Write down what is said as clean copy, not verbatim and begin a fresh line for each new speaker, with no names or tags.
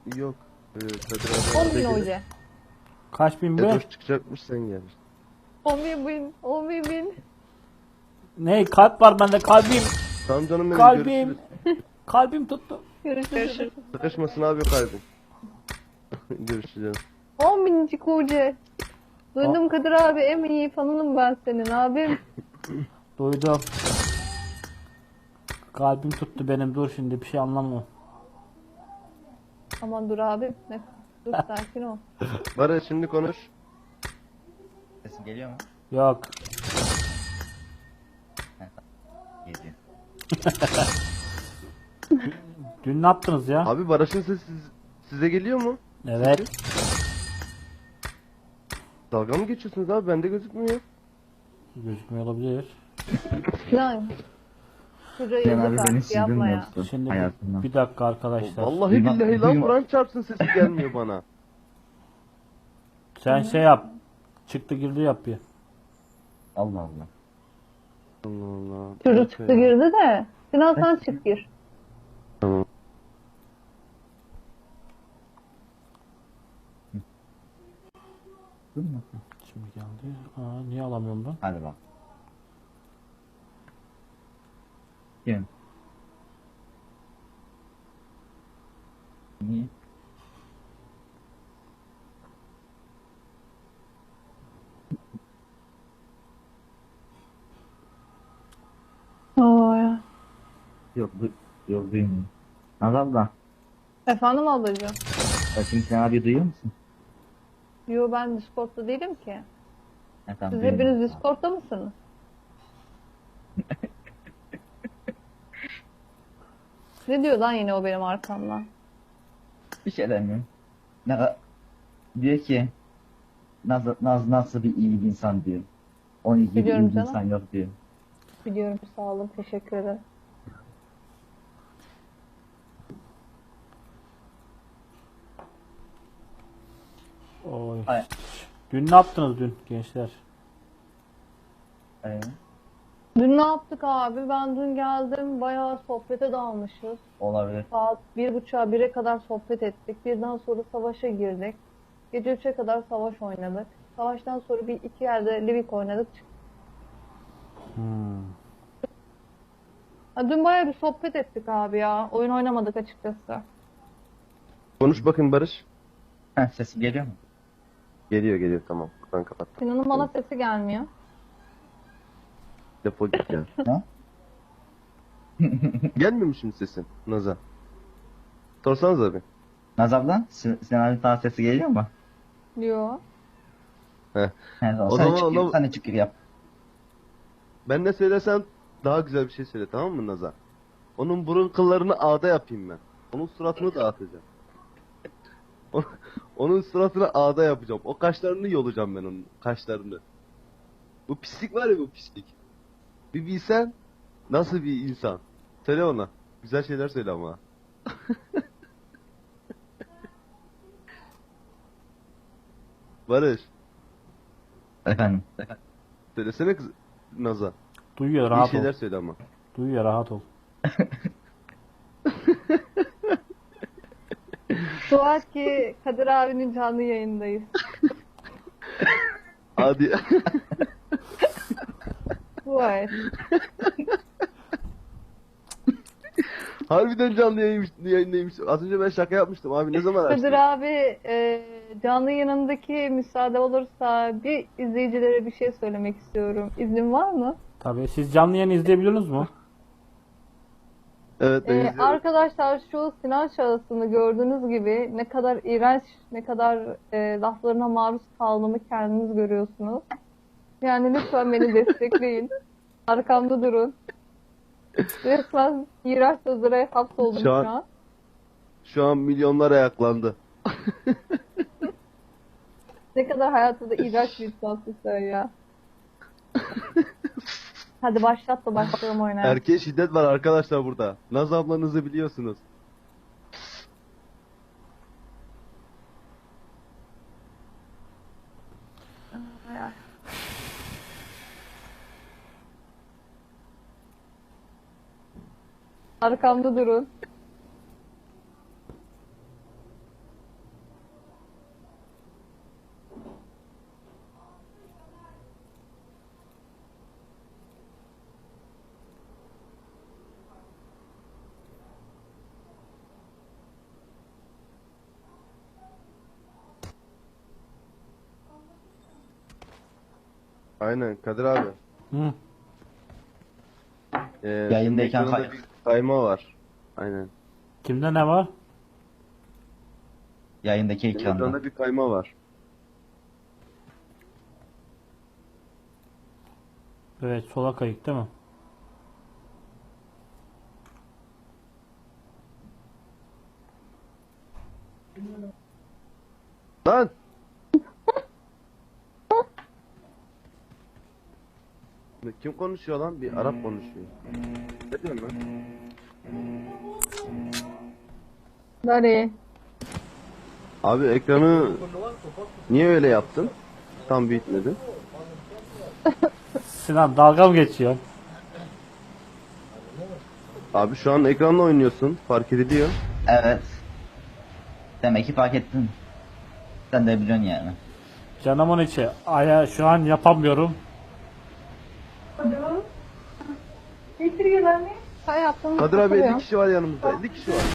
Yok. Kadir
10
abi
bin
gelir.
hoca.
Kaç bin be?
Edoş çıkacakmış sen gel.
11 bin. 11 bin.
Ne kalp var bende kalbim.
Tamam canım benim
Kalbim.
görüşürüz.
Kalbim tuttu.
Görüşürüz.
Sıkışmasın abi kalbim. Görüşeceğiz.
10 binicik hoca. Duydum Kadir abi, en iyi fanınım ben senin abim.
Duydum. Kalbim tuttu benim, dur şimdi bir şey anlamıyorum.
Aman dur abim. Dur sakin ol.
Barış şimdi konuş.
Sesim geliyor mu?
Yok.
Geliyor.
Dün ne yaptınız ya?
Abi Barış'ın sesi size geliyor mu?
Evet.
Dalga mı geçiyorsunuz abi? Bende gözükmüyor.
Gözükmüyor olabilir.
Lan. Şuraya
Sen abi
yazık
beni
artık,
sildin
yapma
mi
ya.
yoksa
Şimdi
hayatından?
bir dakika arkadaşlar.
Vallahi
Duyma-
billahi lan
duyma-
Kur'an çarpsın sesi gelmiyor bana.
Sen şey yap. Çıktı girdi yap bir.
Allah Allah.
Allah Allah.
Çocuk çıktı girdi de. Sinan sen çık gir.
Tamam.
Dur mu?
Şimdi geldi. Aa, niye alamıyorum ben?
Hadi bak. Kim? Niye?
Oo ya.
Yok, yok duymuyorum. Nazal da.
Efendim ablacığım.
Şimdi sen abi duyuyor musun?
Yo, ben Discord'da değilim ki.
Tamam,
Siz
duyuyorum.
hepiniz Discord'da mısınız? Ne diyor lan yine o benim arkamdan?
Bir şey demiyorum. Diyor ki Naz nasıl bir iyi bir insan diyor. Onun gibi
Biliyorum
iyi bir
canım.
insan yok diyor.
Biliyorum, sağ olun, teşekkür ederim.
Oy.
Ay.
Dün ne yaptınız dün gençler?
Ee,
Dün ne yaptık abi? Ben dün geldim, bayağı sohbete dalmışız.
olabilir.
Saat 1.30'a 1'e kadar sohbet ettik. Birden sonra savaşa girdik. Gece 3'e kadar savaş oynadık. Savaştan sonra bir iki yerde Livik oynadık.
Hmm.
Ha, dün bayağı bir sohbet ettik abi ya. Oyun oynamadık açıkçası.
Konuş bakın Barış.
Sesim geliyor mu?
Geliyor geliyor tamam. Kur'an kapattım.
Sinan'ın bana sesi gelmiyor.
Defol git ya.
Ha?
Gelmiyor mu şimdi sesin Naz'a? Sorsanız abi.
Naz abla, Sinan abi sana sesi geliyor mu?
Yo.
Heh.
He,
O
sen
zaman
çık gir,
onu-
sen de çık gir yap.
Ben ne söylesem daha güzel bir şey söyle tamam mı Naz'a? Onun burun kıllarını ağda yapayım ben. Onun suratını dağıtacağım. Onun suratını ağda yapacağım. O kaşlarını yolacağım ben onun kaşlarını. Bu pislik var ya bu pislik. Bir bilsen nasıl bir insan. Söyle ona. Güzel şeyler söyle ama. Barış.
Efendim.
Söylesene kız Naz'a.
Duyuyor,
İyi
rahat ol.
şeyler söyle ama.
Duyuyor, rahat ol.
Dua et ki Kadir abinin canlı yayındayız.
Hadi.
Dua et.
Harbiden canlı yayındaymış. Az önce ben şaka yapmıştım abi. Ne zaman açtın?
Kadir abi, canlı yayınındaki müsaade olursa bir izleyicilere bir şey söylemek istiyorum. İznin var mı?
Tabii siz canlı yayın izleyebiliyorsunuz mu?
Evet ben izliyorum.
Arkadaşlar, şu Sinan şahısını gördüğünüz gibi ne kadar iğrenç, ne kadar laflarına maruz kaldığımı kendiniz görüyorsunuz. Yani lütfen beni destekleyin. Arkamda durun. Resmen iğrenç sözlere hapsoldum
Şu
şu
an-
an.
Şu an milyonlar ayaklandı.
Ne kadar hayatımda iğrenç bir insansın sen ya. Hadi başlat da başlayalım oynaya.
Erkeğe şiddet var arkadaşlar burada. Naz ablanızı biliyorsunuz.
Arkamda durun.
Aynen Kadir abi.
Hı.
Yayındayken
senin ekranda bir kayma var. Aynen.
Kimde ne var?
Yayındaki
Senin
ekranda.
ekranda bir kayma var.
Evet, sola kayık değil mi?
Lan! Kim konuşuyor lan? Bir Arap konuşuyor. Ne diyorsun lan?
Dari.
Abi ekranı niye öyle yaptın? Tam büyütmedin.
Sinan dalga mı geçiyor?
Abi şu an ekranla oynuyorsun. Fark ediliyor.
Evet. Demek ki fark ettin. Sen de biliyorsun yani.
Canımın içi. Aya şu an yapamıyorum.
Sen yaptığını
Kadir abi 50
hatırlıyorum.
kişi var yanımızda. 50 kişi var.